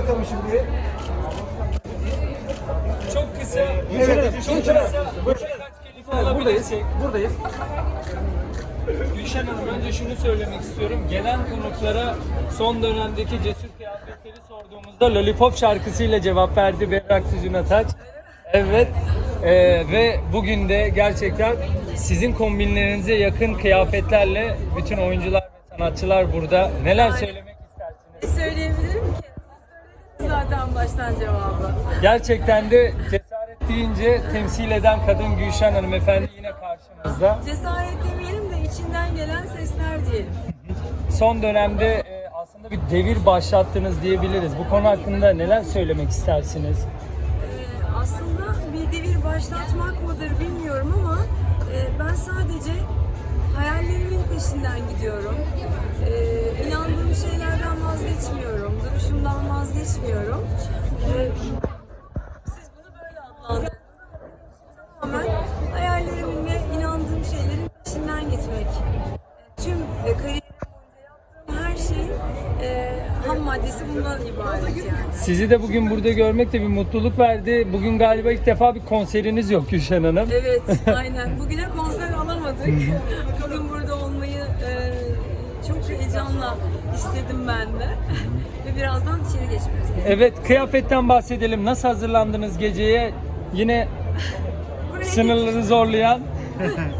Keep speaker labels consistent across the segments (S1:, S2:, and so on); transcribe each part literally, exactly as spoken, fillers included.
S1: bakalım şimdi.
S2: Çok kısa,
S1: Evet,
S2: çok
S1: Gülşen Hanım.
S2: kısa. Birkaç kelime
S1: Buradayız.
S2: alabilirsek.
S1: Buradayız.
S2: Gülşen Hanım, önce şunu söylemek istiyorum. Gelen konuklara son dönemdeki cesur kıyafetleri sorduğumuzda Lollipop şarkısıyla cevap verdi Berrak Tüzün Ataç. Evet. Ee, ve bugün de gerçekten sizin kombinlerinize yakın kıyafetlerle bütün oyuncular ve sanatçılar burada. Neler söylemek istersiniz?
S3: Söyleyebilirim ki. Siz söylediniz zaten baştan cevabı.
S2: Gerçekten de cesaret deyince temsil eden kadın Gülşen hanımefendi yine karşımızda.
S3: Cesaret demeyelim de içinden gelen sesler diyelim.
S2: Son dönemde e, aslında bir devir başlattınız diyebiliriz. Bu konu hakkında neler söylemek istersiniz?
S3: Ee, aslında bir devir başlatmak mıdır bilmiyorum ama e, ben sadece hayallerimin peşinden gidiyorum. Ee, inandığım şeylerden vazgeçmiyorum. Duruşumdan vazgeçmiyorum. Ee, siz bunu böyle adlandırdınız ama benim için tamamen hayallerimin ve inandığım şeylerin peşinden gitmek. Ee, tüm e, kariyerim boyunca yaptığım her şeyin e, ham maddesi bundan ibaret yani.
S2: Sizi de bugün burada görmek de bir mutluluk verdi. Bugün galiba ilk defa bir konseriniz yok Gülşen Hanım.
S3: Evet, aynen. Bugüne konser alamadık. Bugün burada olmayı e, çok heyecanla istedim ben de. Ve birazdan içeri geçmemiz gerekiyor.
S2: Evet, kıyafetten bahsedelim. Nasıl hazırlandınız geceye? Yine
S3: Buraya
S2: sınırları zorlayan.
S3: Sınırları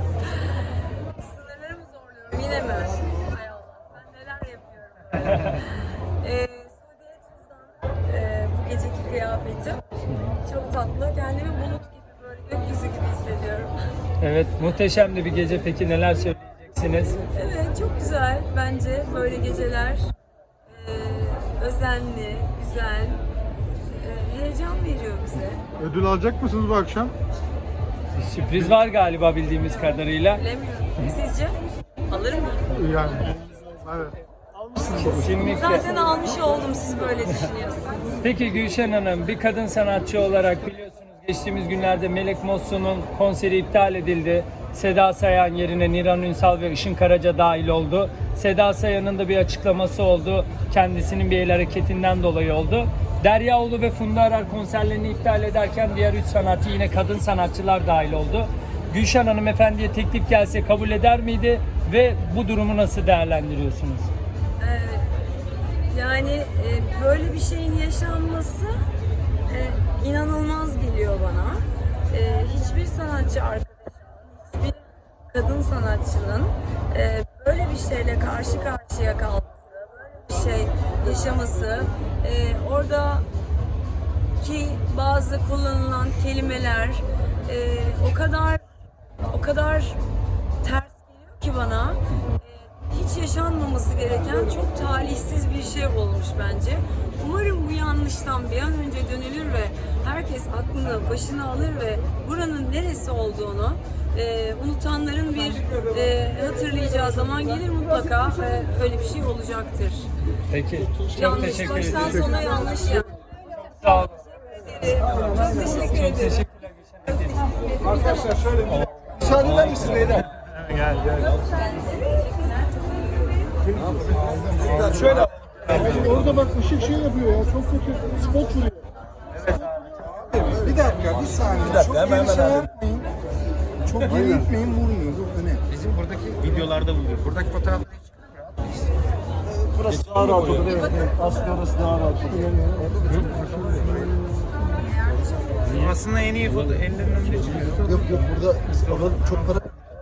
S3: mı zorluyorum? Yine mi? Hay Allah, ben neler yapıyorum. ee, Suudi Tuz'dan e, bu geceki kıyafetim. Çok tatlı. Kendimi bulut gibi, böyle gökyüzü gibi hissediyorum.
S2: Evet, muhteşem de bir gece. Peki neler söyleyeceksiniz?
S3: Evet, çok güzel bence böyle geceler. Ee, özenli, güzel, ee, heyecan veriyor bize.
S4: Ödül alacak mısınız bu akşam?
S2: Bir sürpriz var galiba bildiğimiz kadarıyla.
S3: Bilemiyorum. Sizce? Alır mıyım?
S4: Yani. Evet.
S2: Kesinlikle.
S3: Zaten almış oldum siz böyle düşünüyorsanız.
S2: Peki Gülşen Hanım, bir kadın sanatçı olarak biliyorsunuz geçtiğimiz günlerde Melek Mosso'nun konseri iptal edildi. Seda Sayan yerine Niran Ünsal ve Işın Karaca dahil oldu. Seda Sayan'ın da bir açıklaması oldu. Kendisinin bir el hareketinden dolayı oldu. Derya Ulu ve Funda Arar konserlerini iptal ederken diğer üç sanatçı yine kadın sanatçılar dahil oldu. Gülşen Hanımefendi'ye teklif gelse kabul eder miydi ve bu durumu nasıl değerlendiriyorsunuz?
S3: Ee, yani e, böyle bir şeyin yaşanması e, inanılmaz geliyor bana. E, hiçbir sanatçı arkadaşımın, hiçbir kadın sanatçının e, böyle bir şeyle karşı karşıya kalması, böyle bir şey yaşaması, e, orada ki bazı kullanılan kelimeler e, o kadar o kadar ters geliyor ki bana. E, hiç yaşanmaması gereken çok talihsiz bir şey olmuş bence. Umarım bu yanlıştan bir an önce dönülür ve herkes aklını başına alır ve buranın neresi olduğunu e, unutanların bir e, hatırlayacağı zaman gelir mutlaka ve öyle bir şey olacaktır.
S2: Peki, çok
S3: Yanlış,
S2: teşekkür
S3: baştan
S2: ederim.
S3: sona yanlış yani.
S2: Sağ olun.
S3: Çok teşekkür ederim.
S2: Çok teşekkürler Gülşen Hanım.
S1: Arkadaşlar şöyle bir müsaade eder misiniz beyler?
S4: Gel gel.
S1: Şöyle.
S4: Orada bak ışık şey yapıyor ya. Çok kötü. Spot vuruyor.
S1: Bir dakika, bir saniye. Bir dakika, çok hemen hemen şey yapmayın. Çok geri gitmeyin, vurmuyor. Dur, öne.
S5: Bizim buradaki videolarda buluyor. Buradaki fotoğrafları hiç
S1: Burası daha rahat olur. Evet, evet. Aslında orası daha rahat olur.
S5: aslında en iyi foto ellerinin önünde çıkıyor.
S1: Yok yok, burada orada çok para...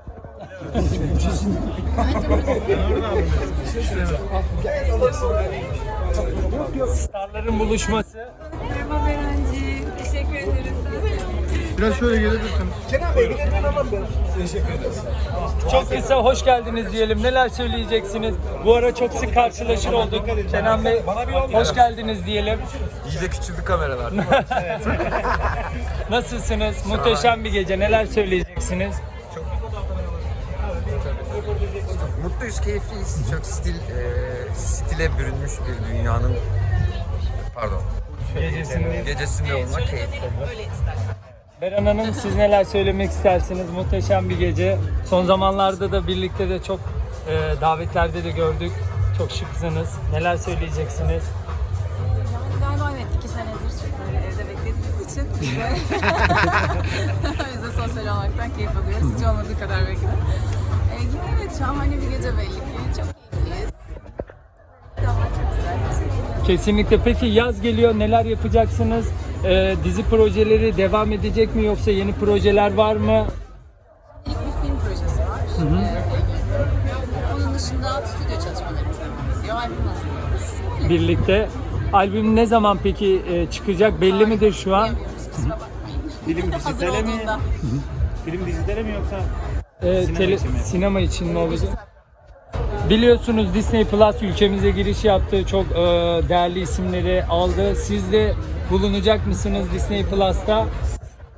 S2: Starların buluşması.
S3: Merhaba Berenciğim, teşekkür ederim.
S4: Biraz şöyle gelebilirsiniz.
S1: Kenan Bey, gidelim hemen ben. Teşekkür ederiz.
S2: Çok kısa hoş geldiniz diyelim. Neler söyleyeceksiniz? Bu ara çok sık karşılaşır olduk. Kenan Bey, hoş geldiniz diyelim.
S5: İyice küçüldü kameralar.
S2: Nasılsınız? Muhteşem bir gece. Neler söyleyeceksiniz?
S5: Mutluyuz, keyifliyiz. Çok stil, e, stile bürünmüş bir dünyanın pardon
S2: Gecesinde.
S5: gecesinde olmak keyifli.
S2: Beren Hanım, siz neler söylemek istersiniz? Muhteşem bir gece. Son zamanlarda da birlikte de çok e, davetlerde de gördük. Çok şıksınız. Neler söyleyeceksiniz?
S3: Yani galiba evet
S6: senedir böyle evde beklediğimiz için biz de, biz de sosyal olmaktan keyif alıyoruz. Hiç olmadığı kadar belki de. Ee, yine evet şahane bir gece belli ki. Çok keyifliyiz. Ama çok güzel. Teşekkürler.
S2: Kesinlikle. Peki yaz geliyor, neler yapacaksınız? Ee, dizi projeleri devam edecek mi yoksa yeni projeler var mı?
S6: İlk bir film projesi var. Ee, onun dışında stüdyo çalışmalarımız devam ediyor. Albüm hazırlıyoruz.
S2: Birlikte. Albüm ne zaman peki e, çıkacak? Belli midir şu an?
S6: Bilmiyoruz, kusura bakmayın.
S5: Film
S6: Hazır
S5: dijitale mi?
S6: olduğunda.
S5: Film dijitale mi yoksa?
S2: Ee,
S5: Sinema
S2: tele-
S5: için mi?
S2: sinema için mi olacak? Biliyorsunuz Disney Plus ülkemize giriş yaptı. Çok e, değerli isimleri aldı. Siz de bulunacak mısınız Disney Plus'ta?